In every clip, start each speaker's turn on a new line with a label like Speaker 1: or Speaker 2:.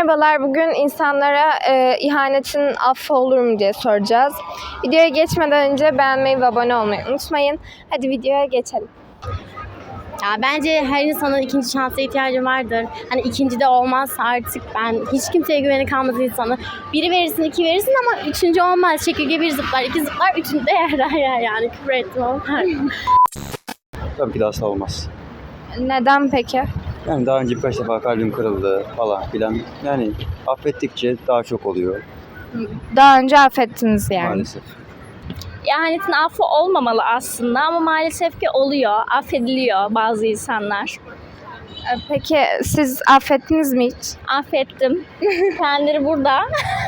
Speaker 1: Merhabalar, bugün insanlara ihanetin affı olur mu diye soracağız. Videoya geçmeden önce beğenmeyi ve abone olmayı unutmayın. Hadi videoya geçelim.
Speaker 2: Ya bence her insanın ikinci şansa ihtiyacı vardır. Hani ikinci de olmazsa artık ben hiç kimseye güveni kalmaz insanı. Biri verirsin, iki verirsin ama üçüncü olmaz. Çekirge bir zıplar, iki zıplar, üçüncü de yer yani. Küfür ettim ama.
Speaker 3: Tabii ki de asla olmaz.
Speaker 1: Neden peki?
Speaker 3: Yani daha önce birkaç defa kalbim kırıldı falan filan. Yani affettikçe daha çok oluyor
Speaker 1: Daha önce affettiniz yani.
Speaker 3: maalesef.
Speaker 2: İhanetin affı olmamalı aslında ama maalesef ki oluyor. Affediliyor bazı insanlar.
Speaker 1: Peki siz affettiniz mi hiç?
Speaker 2: Affettim. Kendileri burada.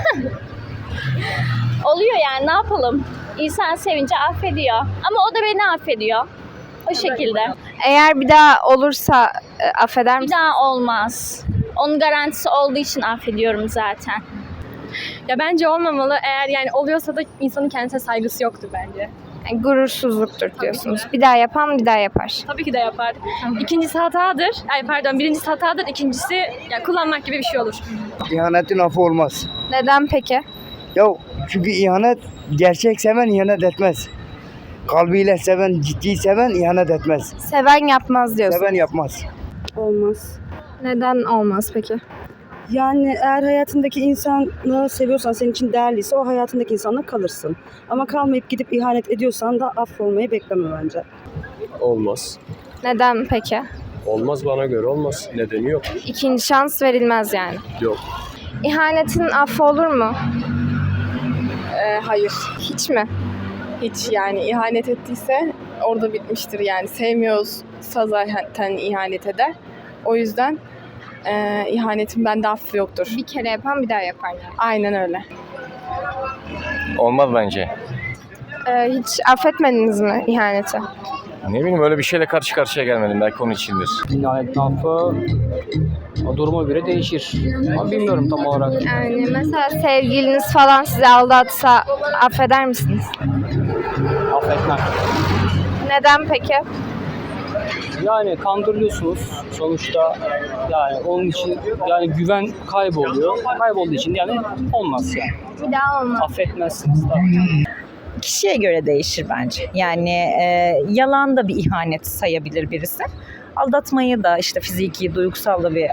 Speaker 2: Oluyor yani, ne yapalım? İnsan sevince affediyor. Ama o da beni affediyor. O şekilde.
Speaker 1: Eğer bir daha olursa affeder
Speaker 2: Bir
Speaker 1: misiniz?
Speaker 2: daha olmaz. Onun garantisi olduğu için affediyorum zaten.
Speaker 4: Ya bence olmamalı. Eğer yani oluyorsa da insanın kendisine saygısı yoktur bence.
Speaker 1: Yani gurursuzluktur diyorsunuz. Bir daha yapan bir daha yapar.
Speaker 4: Tabii ki de yapar. İkincisi hatadır. Birincisi hatadır. İkincisi yani kullanmak gibi bir şey olur.
Speaker 5: İhanetin affı olmaz.
Speaker 1: Neden peki?
Speaker 5: Ya çünkü ihanet, gerçek seven ihanet etmez. Kalbiyle seven, ciddi seven ihanet etmez.
Speaker 1: Seven yapmaz diyorsunuz.
Speaker 5: Seven yapmaz.
Speaker 6: Olmaz.
Speaker 1: Neden olmaz peki?
Speaker 6: Yani eğer hayatındaki insanı seviyorsan, senin için değerliyse o hayatındaki insanla kalırsın. Ama kalmayıp gidip ihanet ediyorsan da affolmayı bekleme bence.
Speaker 7: Olmaz.
Speaker 1: Neden peki?
Speaker 7: Olmaz, bana göre olmaz. Nedeni yok.
Speaker 1: İkinci şans verilmez yani.
Speaker 7: Yok.
Speaker 1: İhanetin affı olur mu?
Speaker 8: Hayır,
Speaker 1: Hiç mi?
Speaker 8: hiç yani ihanet ettiyse orada bitmiştir yani. Sevmiyorsa zaten ihanet eder. O yüzden ihanetin bende affı yoktur.
Speaker 1: Bir kere yapan bir daha yapar yani.
Speaker 8: Aynen öyle.
Speaker 9: Olmaz bence.
Speaker 1: Hiç affetmediniz mi ihaneti?
Speaker 9: Ne bileyim, öyle bir şeyle karşı karşıya gelmedim. Belki onun içindir.
Speaker 10: İhanetin affı o duruma göre değişir. Ama bilmiyorum tam olarak.
Speaker 1: Yani mesela sevgiliniz falan sizi aldatsa affeder misiniz?
Speaker 10: Affetmem.
Speaker 1: Neden peki?
Speaker 10: Yani kandırılıyorsunuz sonuçta, yani onun için yani güven kayboluyor. Kaybolduğu için yani olmaz yani.
Speaker 1: Bir daha olmaz.
Speaker 10: Affetmezsiniz tabii.
Speaker 11: Kişiye göre değişir bence. Yani yalan da bir ihanet sayabilir birisi. Aldatmayı da işte fiziki, duygusal da bir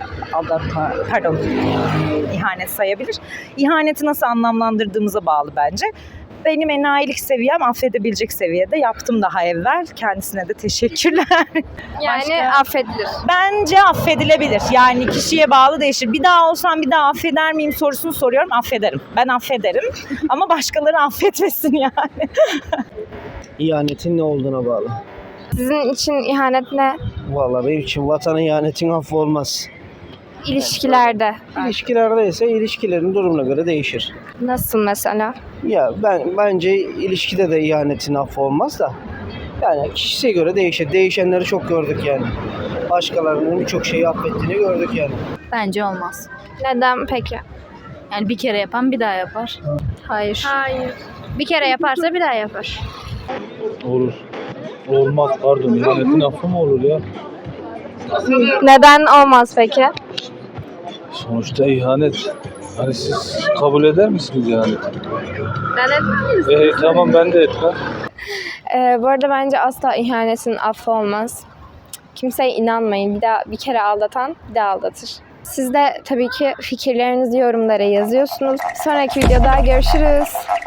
Speaker 11: ihanet sayabilir. İhaneti nasıl anlamlandırdığımıza bağlı bence. Benim enayilik seviyem affedebilecek seviyede. Yaptım daha evvel. Kendisine de teşekkürler.
Speaker 1: Yani
Speaker 11: Başka?
Speaker 1: affedilir.
Speaker 11: Bence affedilebilir. Yani kişiye bağlı değişir. Bir daha olsam bir daha affeder miyim sorusunu soruyorum. Affederim. Ben affederim. Ama başkaları affetmesin yani.
Speaker 5: İhanetin ne olduğuna bağlı.
Speaker 1: Sizin için ihanet ne?
Speaker 5: Vallahi benim için vatanın ihanetin affı olmaz.
Speaker 1: İlişkilerde.
Speaker 5: İlişkilerde ise ilişkilerin durumuna göre değişir.
Speaker 1: Nasıl mesela?
Speaker 5: Ya bence ilişkide de ihanetin affı olmaz da. Yani kişiye göre değişir. Değişenleri çok gördük yani. Başkalarının birçok şeyi affettiğini gördük yani.
Speaker 2: Bence olmaz.
Speaker 1: Neden peki?
Speaker 2: Yani bir kere yapan bir daha yapar.
Speaker 1: Hayır.
Speaker 4: Hayır.
Speaker 1: Bir kere yaparsa bir daha yapar.
Speaker 7: Olur. Olmaz, pardon. İhanetin affı mı olur ya?
Speaker 1: Neden olmaz peki?
Speaker 7: Sonuçta ihanet. Hani siz kabul eder misiniz ihaneti?
Speaker 1: Ben etmem.
Speaker 7: Tamam, ben de etmem.
Speaker 1: Bu arada bence asla ihanetin affı olmaz. Kimseye inanmayın. Bir kere aldatan bir daha aldatır. Siz de tabii ki fikirlerinizi yorumlara yazıyorsunuz. Sonraki videoda görüşürüz.